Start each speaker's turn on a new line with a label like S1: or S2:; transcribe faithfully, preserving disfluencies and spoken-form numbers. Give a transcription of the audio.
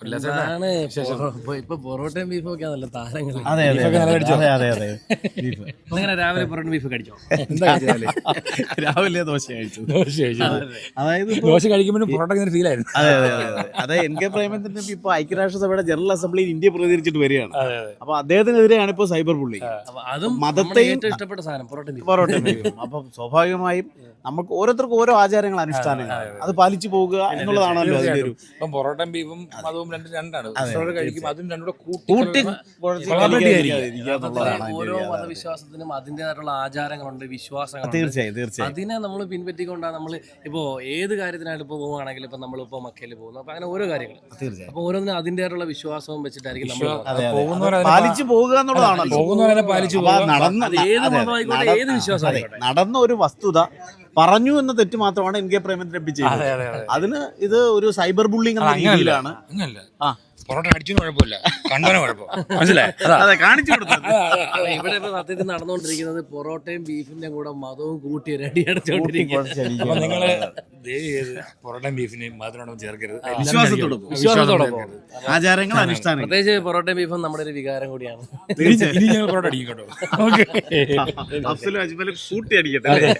S1: ആണ് ഇപ്പൊ പൊറോട്ടയും ബീഫും ഒക്കെ നല്ല താരങ്ങൾ.
S2: അതെ അതെ അതെ അതെ
S1: അങ്ങനെ രാവിലെ പൊറോട്ട ബീഫ് കഴിച്ചോ?
S2: രാവിലെ ദോശ കഴിച്ചു.
S3: ദോശ കഴിച്ചു.
S2: അതായത്
S3: ദോശ കഴിക്കുമ്പോഴും പൊറോട്ട ഫീൽ ആയിരുന്നു.
S2: അതെ അതെ അതെ അതെ എൻ കെ പ്രേമചന്ദ്രൻ ഇപ്പൊ ഐക്യരാഷ്ട്രസഭയുടെ ജനറൽ അസംബ്ലിയിൽ ഇന്ത്യ പ്രതികരിച്ചിട്ട് വരികയാണ്. അപ്പൊ അദ്ദേഹത്തിനെതിരെയാണ് ഇപ്പൊ സൈബർ ബുള്ളിങ്.
S1: അതും
S2: മതത്തെയും
S1: ഏറ്റവും ഇഷ്ടപ്പെട്ട സാധനം പൊറോട്ട ബീഫ്.
S2: പൊറോട്ട ബീഫും. അപ്പൊ സ്വാഭാവികമായും നമുക്ക് ഓരോരുത്തർക്കും ഓരോ ആചാരങ്ങൾ അനുഷ്ഠാനങ്ങൾ അത് പാലിച്ചു പോകുക എന്നുള്ളതാണല്ലോ അതിന്റെ ഒരു.
S3: ഇപ്പം പൊറോട്ടയും ബീഫും അതും രണ്ടും രണ്ടാണ്. പൊറോട്ട കഴിക്കും അതും രണ്ടും കൂടെ
S2: കൂട്ടി
S1: ഓരോ മതവിശ്വാസത്തിനും അതിൻ്റെതായിട്ടുള്ള ആചാരങ്ങളുണ്ട്, വിശ്വാസങ്ങളുണ്ട്.
S2: തീർച്ചയായും തീർച്ചയായും
S1: അതിനെ നമ്മൾ പിൻപറ്റിക്കൊണ്ടാണ് നമ്മൾ ഇപ്പോൾ ഏത് കാര്യത്തിനായിട്ട് ഇപ്പോൾ പോവുകയാണെങ്കിൽ ഇപ്പൊ നമ്മളിപ്പോൾ മക്കയിൽ പോകുന്നു. അപ്പൊ അങ്ങനെ ഓരോ കാര്യങ്ങൾ
S2: തീർച്ചയായും
S1: അപ്പൊ ഓരോന്നിനും അതിൻ്റെതായിട്ടുള്ള വിശ്വാസവും വെച്ചിട്ടായിരിക്കും നമ്മൾ
S2: പാലിച്ചു പോകുക എന്നുള്ളതാണല്ലോ.
S3: പോകുന്നവരെ പാലിച്ചു
S2: നടന്ന
S1: ഏത് മതമായിക്കോട്ടെ ഏത് വിശ്വാസം ആയിക്കോട്ടെ.
S2: നടന്ന ഒരു വസ്തുത പറഞ്ഞു എന്ന തെറ്റ് മാത്രമാണ് എൻ കെ പ്രേമചന്ദ്രൻ ചെയ്തത്. അതിന് ഇത് ഒരു സൈബർ ബുള്ളിംഗ് എന്ന രീതിയിലാണ്. ആ
S3: പൊറോട്ട അടിച്ചതിന് കുഴപ്പമില്ല, കണ്ടവനെ കുഴപ്പം. മനസ്സിലായി?
S2: അതെ കാണിച്ചു കൊടുത്തത്.
S1: ഇവിടെ ഇപ്പൊ സത്യത്തിൽ നടന്നുകൊണ്ടിരിക്കുന്നത് പൊറോട്ടയും ബീഫിന്റെ കൂടെ മതവും കൂട്ടി റെഡി അടച്ചോണ്ടിരിക്കുന്നത്.
S3: അപ്പൊ നിങ്ങള് പൊറോട്ടയും ബീഫിനെയും മധുരവും ചേർക്കരുത്.
S2: വിശ്വാസത്തോടൊപ്പം
S1: വിശ്വാസത്തോടൊപ്പം
S2: ആചാരങ്ങൾ അനുഷ്ഠാനങ്ങൾ.
S1: പ്രത്യേകിച്ച് പൊറോട്ടയും ബീഫും നമ്മുടെ ഒരു വികാരം കൂടിയാണ്.
S3: ഇനി ഞങ്ങൾ പൊറോട്ട അടിക്കും കേട്ടോ.
S2: അഫ്സലും അജ്മലും കൂട്ടി അടിക്കട്ടെ.